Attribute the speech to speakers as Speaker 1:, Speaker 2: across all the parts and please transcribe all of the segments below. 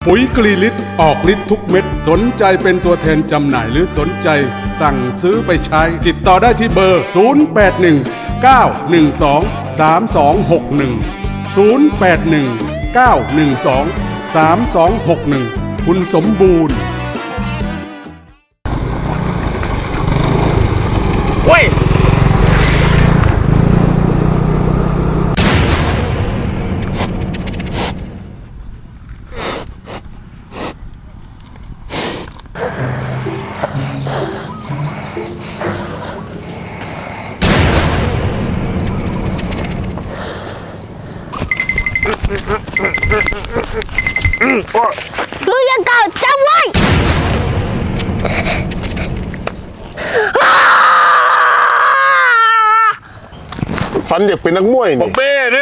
Speaker 1: ปุ๋ยกรีลิตออกฤทธิ์ทุกเม็ดสนใจเป็นตัวแทนจำหน่ายหรือสนใจสั่งซื้อไปใช้ติดต่อได้ที่เบอร์ 0819123261 คุณสมบูรณ์
Speaker 2: เว้ย
Speaker 3: มึงยังเก่าจำไว้
Speaker 4: ฝันอยากเป็นนักมวย
Speaker 2: บอ
Speaker 4: นี่
Speaker 2: กเบ้เนี่ย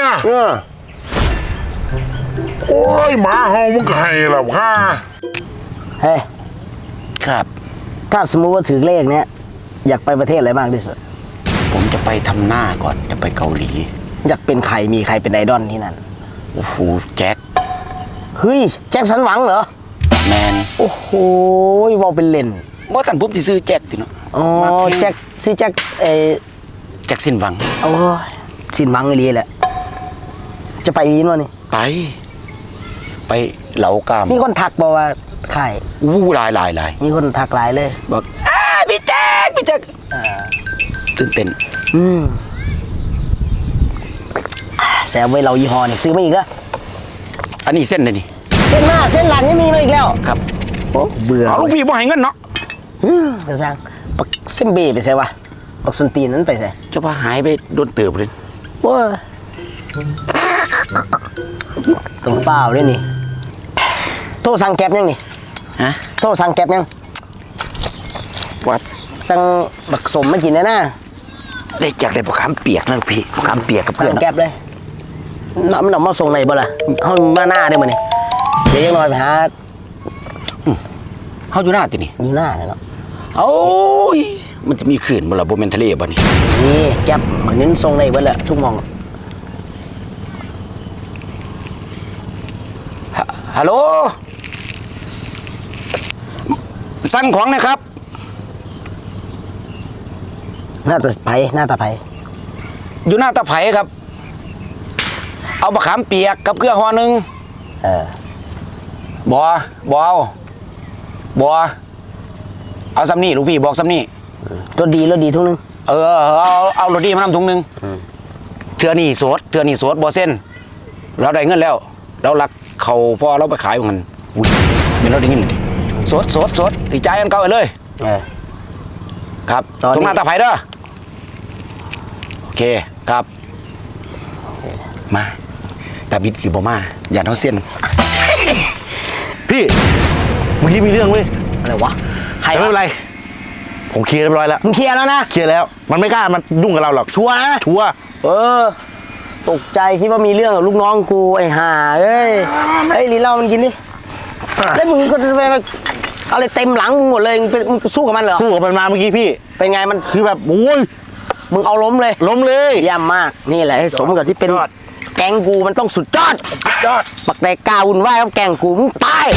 Speaker 2: โอ้ยหมาเฮามึงก็ให้หรอค่ะ
Speaker 5: เฮ้ย
Speaker 6: ครับ
Speaker 5: ถ้าสมมุติว่าถือเลขเนี้ยอยากไปประเทศอะไรมากที่สุด
Speaker 6: ผมจะไปทำหน้าก่อนจะไปเกาหลี
Speaker 5: อยากเป็นใครมีใครเป็นไอดอลที่นั่น
Speaker 6: โอ้โหแจ็ค
Speaker 5: เฮ้ยแจ็คสันหวังเหรอ
Speaker 6: แมน
Speaker 5: โอ้โหวอลเป็นเล่น
Speaker 6: บ่ทันผมสิซื้อแจ็คติเนาะ
Speaker 5: อ๋อแจ็คซื้อแจ็ค
Speaker 6: แจ็คสินหวัง
Speaker 5: โอ้ยสินหวังไอ้ลีแหละจะไปอีนวะนี่
Speaker 6: ไปเหลากาม
Speaker 5: มีคนทักบอกว่าใคร
Speaker 6: อู้หลาย
Speaker 5: มีคนทักหลายเลย
Speaker 6: บอกพี่แจ็คตื่นเต้น
Speaker 5: แซวไว้เรายี่ห้อนี่ซื้อมาอีกแล้ว
Speaker 6: อันนี้เส้นเลยนี่
Speaker 5: เส้นหน้าเส้นหลังยังมีมาอีกแล้ว
Speaker 6: ครับ
Speaker 5: โอ้เบื่อ
Speaker 6: เอาลูกพี่บ่ให้เงินเนาะ
Speaker 5: กระซังปักเส้นเบไปใส่วะปักส้นตีนนั้นไปใส่
Speaker 6: เจะพาหายไปโดนเติบเลย
Speaker 5: ว้าต้องฝ้าวด้วยนี่โทรสั่งแก๊บยังนี่
Speaker 6: ฮะ
Speaker 5: โทรสั่งแก๊บยัง
Speaker 6: วัด
Speaker 5: สั่งบักสมมากินนะนะ
Speaker 6: ได้จากได้บักขามเปียกนะลูกพี่บักขามเปียกกับ
Speaker 5: สั่
Speaker 6: เพื่อง น
Speaker 5: แก๊บเลยน้ำมาส่งไหนบ่ล่ะห้องมาหน้าได้มั้ยนี่เดี๋ยวยังน้อยไปหา
Speaker 6: เฮาอยู่หน้าตินี่
Speaker 5: อยู่หน้าเลยเนาะ
Speaker 6: โอ้ยมันจะมีขื่นบ่ล่ะบ่แม่นทะเลบ่นี่
Speaker 5: นี่แก๊บมันนี้ส่งไหนเบิดแหละทุกหมอง
Speaker 6: ฮัลโหลสั่งของนะครับ
Speaker 5: หน้าตาไผหน้าตาไผ
Speaker 6: อยู่หน้าตะไผครับ เอาบักขามเปียกกับเกลือห่อหนึ่ง บ่เอาซ้ำนี่ลูกพี่บอกซ้ำนี่
Speaker 5: รถดีทุกนึง
Speaker 6: เอารถดีมานำถุงหนึ่งเทือนี่สดบ่เส้นเราได้เงินแล้วเราลักเขาพอเราไปขายมันอุ้ยเป็นเราได้เงินเลยดิสดดีใจกันเก่าไปเลยครับตรงหน้าตะไผเด้อโอเคครับมาแต่บิดสิบ่มาอย่าเท่าเส้น
Speaker 4: พี่เมื่อกี้มีเรื่องเว้ย
Speaker 5: อะไรวะใคร
Speaker 4: แต่ไม่เป็นไรผมเคลียร์เรียบร้อยแล้ว
Speaker 5: มึงเคลียร์แล้วนะ
Speaker 4: เคลียร์แล้วมันไม่กล้ามันยุ่งกับเราหรอก
Speaker 5: ชัวร์นะ
Speaker 4: ชัวร์
Speaker 5: ตกใจคิดว่ามีเรื่องกับลูกน้องกูไอ้ห่าเอ้ยลีเหล้ามันกินดิแล้วมึงก็ไปอะไรเต็มหลังมึงหมดเลยมึงสู้กับมันเหรอ
Speaker 4: สู้กับมันมาเมื่อกี้พี่
Speaker 5: เป็นไงมัน
Speaker 4: คือแบบโอ้ย
Speaker 5: มึงเอาล้มเลย
Speaker 4: ล้มเลย
Speaker 5: เยี่ยมมากนี่แหละให้สมกับที่เป็นแกงกูมันต้องสุดยอดปักแดกกาวุ่นวายกับแกงกูมึงตาย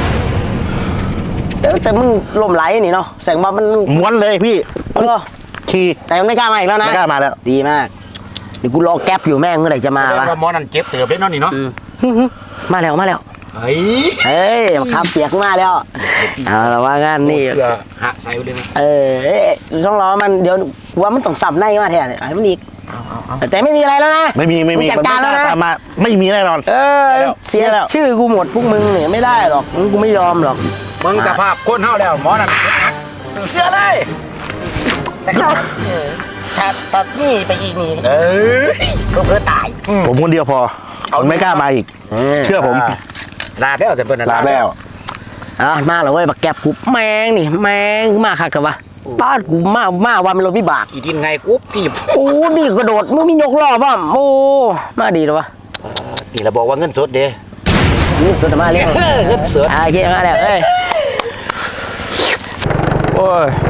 Speaker 5: แต่มึงล้มไหลนี่เนาะแสดงว่ามัน
Speaker 4: ม้วนเลยพี่ ขี่
Speaker 5: แต่มันไม่กล้ามาอีกแล้วนะ
Speaker 4: ไม่กล้ามาแล้ว
Speaker 5: ดีมากเดี๋ยวกูรอแก๊ปอยู่แม่งเมื่อไหร่จะมาวะ
Speaker 6: หมอนั่นเจ็บเติบได้เนาะนี่เนาะ
Speaker 5: มาแล้ว เฮ้ยมาข้ามเปียกมาแล้วเอาละว่างานนี่
Speaker 6: เพื่อหะใส่ไปเลยนะ
Speaker 5: ต้องรอมันเดี๋ยวว่ามันต้องสับในมาแทนไอ้มันอีกแต่ไม่มีอะไรแล้วนะ
Speaker 4: ไม่มี
Speaker 5: งจัดการแล้วนะ
Speaker 4: ตามมาไม่มีแน่นอน
Speaker 5: เสียชื่อกูหมดพวกมึงเนี่ยไม่ได้หรอกกูไม่ยอมหรอก
Speaker 6: มึงสภาพคนเฮาแล้วหมอนั่นเสียเลย
Speaker 5: แต่ก็ถ้านี่ไปอีกนี่ก็เพื่อตาย
Speaker 4: ผมคนเดียวพอไม่กล้ามาอีกเชื่อผม
Speaker 6: ลาแล้วแต่เพิ่น
Speaker 4: ลาแล้ว
Speaker 5: มาแล้วเว้ยบักแก็บกูแมงนี่แมงมาคักกับวะบ้านกูมาวันมันรถวิบาก
Speaker 6: อีดินไงกุ๊บที่
Speaker 5: โอ้นี่กระโดดมึงมียกล้อป่ะโอ้มาดีเลยวะ
Speaker 6: นี่เราบอกว่าเงินสดเด้
Speaker 5: นี่สุดมาเรียก
Speaker 6: เงินสด
Speaker 5: โอเคมาแล้ว
Speaker 4: โอ้ย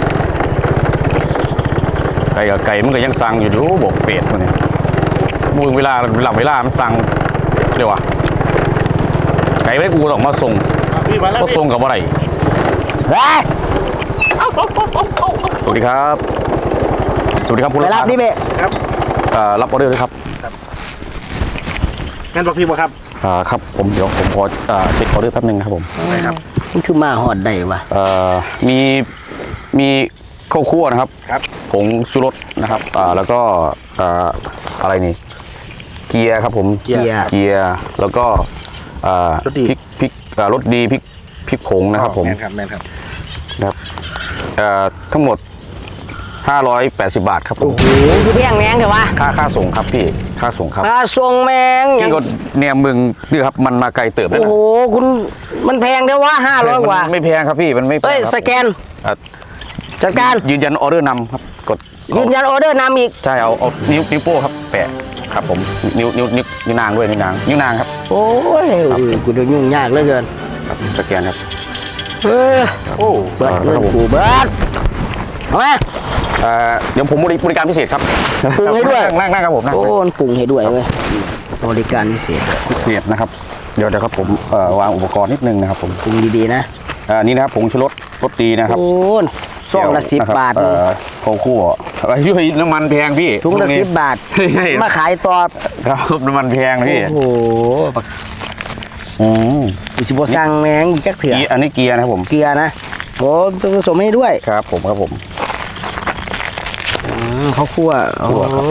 Speaker 4: ไก่กับไก่มันก็ยังสั่งอยู่ดูบอกเป็ดมันเนี่ยมึงเวลาหลับเวลามันสั่งเดี๋ยววะไก่ไว้กูต้องมาส่งก็ส่งกับอะไร
Speaker 5: เฮ้ย
Speaker 4: สวัสดีครับสวัสดีครับคุณ
Speaker 5: ไปรับนี่เบะ
Speaker 4: รับออเดอร์ด้วยครับ
Speaker 7: งั้นบอกพี่บ่ครับ
Speaker 4: ครับผมเดี๋ยวผมขอเช็คออเดอร์แป๊บนึงนะครับผม
Speaker 7: ได้ครับ
Speaker 5: มันคือมาหอดได้วะ
Speaker 4: มีข้าวคั่วนะครับ
Speaker 7: ครับ
Speaker 4: ผงชูรสนะครับ แล้วก็อะไรนี่เกียร์ครับผม
Speaker 5: เกียร์
Speaker 4: แล้วก็
Speaker 7: รสดี
Speaker 4: พริกรสดีพริกผงนะครับผม
Speaker 7: แมนครับแมนครับ
Speaker 4: นะครับทั้งหมด580 บาทครับผม
Speaker 5: โอ้โหคือเพียงแมงเถอะวะ
Speaker 4: ค่าส่งครับพี่ค่าส่งครับ
Speaker 5: ค่าส่งแมงอย่าง
Speaker 4: พี่ก็เนี่ยมึงนี่ครับมันมาไกลเติบแล้ว
Speaker 5: โอ้
Speaker 4: นะ
Speaker 5: โหคุณมันแพงเด้อวะ500 กว่า
Speaker 4: มันไม่แพงครับพี่มันไม่แพง
Speaker 5: เฮ้ย
Speaker 4: ครับ
Speaker 5: สแกน
Speaker 4: อ่ะ
Speaker 5: จัดการ
Speaker 4: ยืนยันออเดอร์นำครับกด
Speaker 5: ยืนยันออเดอร์นำอีก
Speaker 4: ใช่เอานิ้วโป้ครับแปะครับผมนิ้วนางด้วยนิ้วนางครับ
Speaker 5: โอ้ยกูเดี๋ยวยุ่งยากเหลือเกิน
Speaker 4: ครับสแกนครับ
Speaker 5: เออ
Speaker 7: โอ้
Speaker 5: เบิดเงินกูเบิดเอาไหม
Speaker 4: เดี๋ยวผมบริการพิเศษครับ
Speaker 5: ปรุงให้ด้วย
Speaker 4: นั่งครับผมนั่ง
Speaker 5: โอ้มันปรุงให้ด้วยเว้ยบริการพิเศษ
Speaker 4: พิเศษนะครับเดี๋ยวครับผมวางอุปกรณ์นิดนึงนะครับผม
Speaker 5: ปรุงดีๆนะ
Speaker 4: นี่นะครับผงชูรสรสดีนะครับ
Speaker 5: โอ้ซองละ10 บาท
Speaker 4: ข้าวคั่วช่วยน้ำมันแพงพี่
Speaker 5: ถุงละ10 บาท
Speaker 4: ใช่
Speaker 5: มาขายต่อ
Speaker 4: ครับน้ำมันแพงนะพี่
Speaker 5: โอ้โห
Speaker 4: อืม
Speaker 5: กูสิบสั่งแมงอีกจักเถื่อ
Speaker 4: อันนี้เกียร์นะครับผม
Speaker 5: เกลือนะโอ้ต้องผสมให้ด้วย
Speaker 4: ครับผมครับผม
Speaker 5: เขาคั่วโอ้
Speaker 4: คั่วครับ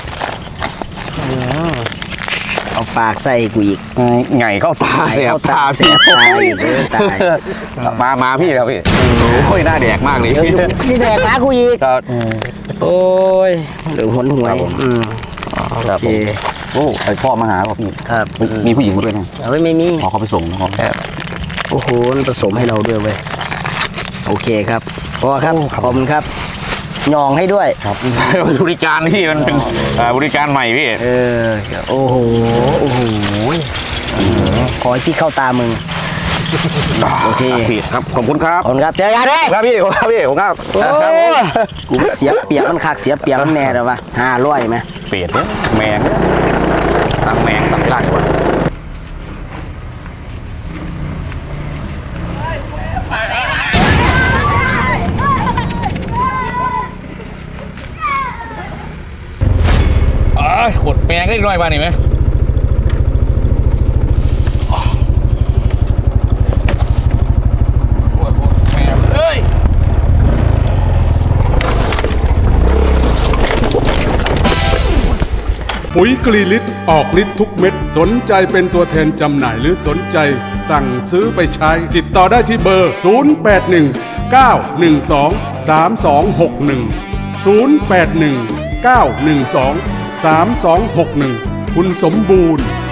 Speaker 5: เอาปากใส่กูอีก
Speaker 4: ไงเข้าตาเสียบ
Speaker 5: เข้าตา
Speaker 4: เสียบ
Speaker 5: เสียบตาอีกตาย
Speaker 4: มาพี่ครับพี่โอ้ยหน้าแดกมากเลย
Speaker 5: เดี๋ยวที่แดกหากูอีก
Speaker 4: ครับ
Speaker 5: โอ้ยเหลืองหนหวย
Speaker 4: ครับผม
Speaker 5: โอเค
Speaker 4: โอ้ไอพ่อมาหาครับพี่
Speaker 5: ครับ
Speaker 4: มีผู้หญิงมาด้วยนะ
Speaker 5: เอาไว้ไม่มี
Speaker 4: ขอเขาไปส่งนะครับ
Speaker 5: โอ้โหมันผสมให้เราด้วยเว้ยโอเคครับพอครับขอบคุณครับหยองให้ด้วย
Speaker 4: ครับบริการพี่มันเป็นบริการใหม่พี่
Speaker 5: เออโอ้โหโอ้โหขอให้ที่เข้าตามึงโอเค
Speaker 4: พี่ครับขอบคุณครับ
Speaker 5: ขอบคุณครับเจอกันเลย
Speaker 4: ครับพี่ครับพี่ผมครับ
Speaker 5: โอ้ยกูเสียเปรียบมันคักเสียเปรียบมันแน่เลยวะ500ไหม
Speaker 4: เปรตเนี่ยแมงตั้งแมงตั้งเวลาดีกว่า ขดแมงได้ด้วยบ้างนี่ไหมเฮ้ย
Speaker 1: ปุ๋ยกรีลิตรออกฤทธิ์ทุกเม็ดสนใจเป็นตัวแทนจำหน่ายหรือสนใจสั่งซื้อไปใช้ ติดต่อได้ที่เบอร์ 0819123261 0819123261 คุณสมบูรณ์